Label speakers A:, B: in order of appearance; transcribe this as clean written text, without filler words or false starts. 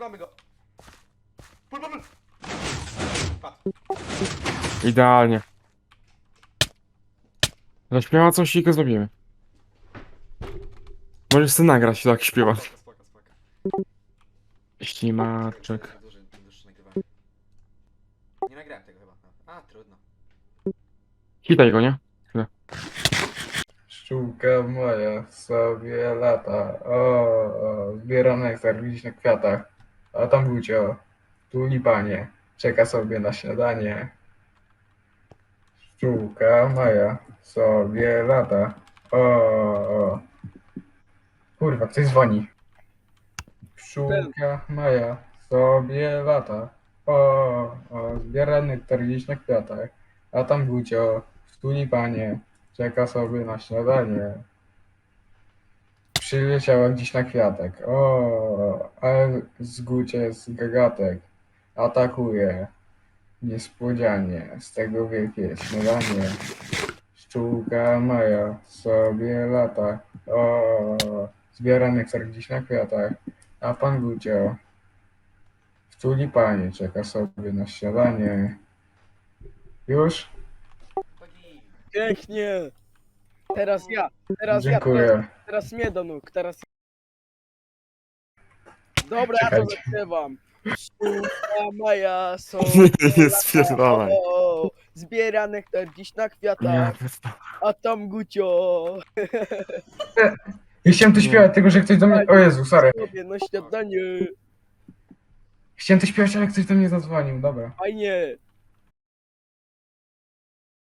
A: mamy go. Pul. Padł.
B: Idealnie. Zaśpiewa coś i go zrobimy. Możesz sobie nagrać, tak śpiewa.
A: Spoko.
B: Ślimaczek.
A: Dłuższe nagrywanie. Nie nagrałem tego chyba. A, trudno.
B: Hitaj go, nie?
C: Pszczółka moja sobie lata, zbiera nektar, widzisz na kwiatach, a tam Gucio, tulipanie, czeka sobie na śniadanie. Pszczółka moja sobie lata, kurwa, ktoś dzwoni. Pszczółka moja sobie lata, zbiera nektar, widzisz na kwiatach, a tam Gucio, tulipanie, czeka sobie na śniadanie. Przyleciała gdzieś na kwiatek. Ale zgucie jest gagatek. Atakuje. Niespodzianie. Z tego wielkie śniadanie. Pszczółka Maja sobie lata. Zbiera nektar gdzieś na kwiatach. A pan Gucio w tulipanie czeka sobie na śniadanie. Już?
A: Chodzi.
D: Pięknie! Teraz ja,
C: Dziękuję.
D: teraz mnie do nóg, teraz ja. Dobra, ja to
C: Czekajcie.
D: zaśpiewam. Pszczółka Maja są.
B: Nie spierdalaj.
D: Zbiera nektar dziś na
B: Ja
D: kwiatach,
B: pierdolę.
D: a tam Gucio.
C: Ja chciałem to śpiewać, tylko że ktoś do mnie... O Jezu, sorry.
D: Sobie na śniadanie.
C: Chciałem to śpiewać, ale ktoś do mnie zadzwonił. Dobra.
D: Fajnie.